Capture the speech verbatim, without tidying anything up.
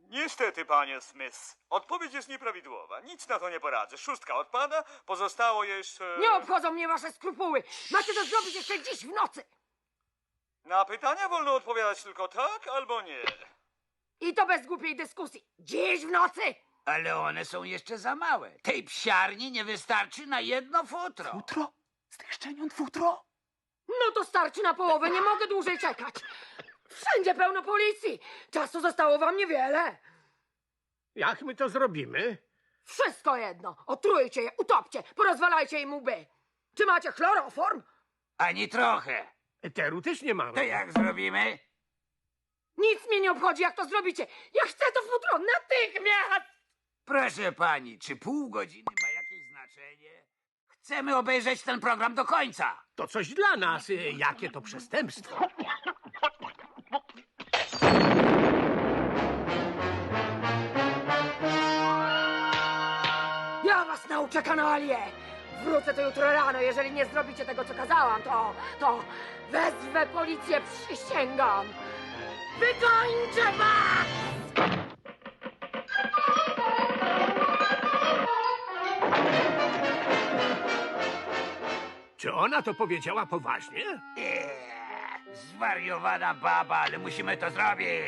Niestety, panie Smith, odpowiedź jest nieprawidłowa. Nic na to nie poradzę. Szóstka odpada, pozostało jeszcze... Nie obchodzą mnie wasze skrupuły! Macie to zrobić jeszcze dziś w nocy! Na pytania wolno odpowiadać tylko tak albo nie. I to bez głupiej dyskusji. Dziś w nocy! Ale one są jeszcze za małe. Tej psiarni nie wystarczy na jedno futro. Futro? Z tych szczeniąt futro? No to starczy na połowę, nie mogę dłużej czekać. Wszędzie pełno policji. Czasu zostało wam niewiele. Jak my to zrobimy? Wszystko jedno. Otrujcie je, utopcie, porozwalajcie im łby. Czy macie chloroform? Ani trochę. Eteru też nie mamy. To jak zrobimy? Nic mnie nie obchodzi, jak to zrobicie. Ja chcę to futro natychmiast! Proszę pani, czy pół godziny ma jakieś znaczenie? Chcemy obejrzeć ten program do końca. To coś dla nas. y, Jakie to przestępstwo. Ja was nauczę, kanalie! Wrócę tu jutro rano, jeżeli nie zrobicie tego, co kazałam, to... to wezwę policję, przysięgam! Wykończę was! Czy ona to powiedziała poważnie? Eee, zwariowana baba, ale musimy to zrobić.